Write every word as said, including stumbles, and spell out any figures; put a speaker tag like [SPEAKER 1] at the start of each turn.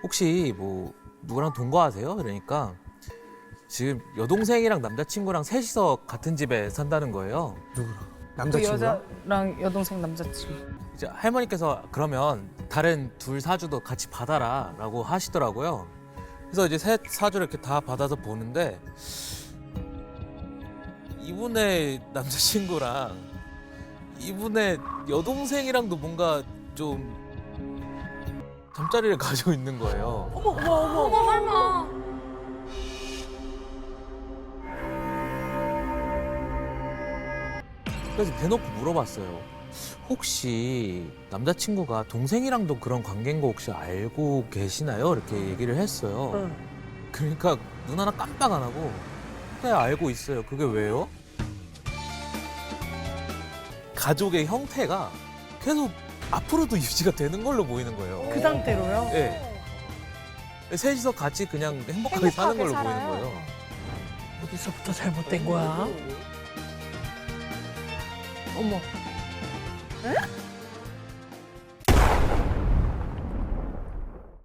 [SPEAKER 1] 혹시 뭐 누구랑 동거하세요? 그러니까 지금 여동생이랑 남자친구랑 셋이서 같은 집에 산다는 거예요.
[SPEAKER 2] 누구랑?
[SPEAKER 3] 그
[SPEAKER 2] 남자친구랑?
[SPEAKER 3] 여자랑 여동생 남자친구.
[SPEAKER 1] 이제 할머니께서 그러면 다른 둘 사주도 같이 받아라라고 하시더라고요. 그래서 이제 셋 사주를 이렇게 다 받아서 보는데 이분의 남자친구랑 이분의 여동생이랑도 뭔가 좀 잠자리를 가지고 있는 거예요.
[SPEAKER 4] 어머 어머 어머 어머 설마.
[SPEAKER 1] 그래서 대놓고 물어봤어요. 혹시 남자친구가 동생이랑도 그런 관계인 거 혹시 알고 계시나요? 이렇게 얘기를 했어요.
[SPEAKER 4] 응.
[SPEAKER 1] 그러니까 눈 하나 깜빡 안 하고 네, 알고 있어요. 그게 왜요? 가족의 형태가 계속 앞으로도 유지가 되는 걸로 보이는 거예요.
[SPEAKER 4] 그 상태로요?
[SPEAKER 1] 네. 셋이서 같이 그냥 행복하게, 사는 걸로 보이는 거예요.
[SPEAKER 4] 어디서부터 잘못된 거야? 어머. 에?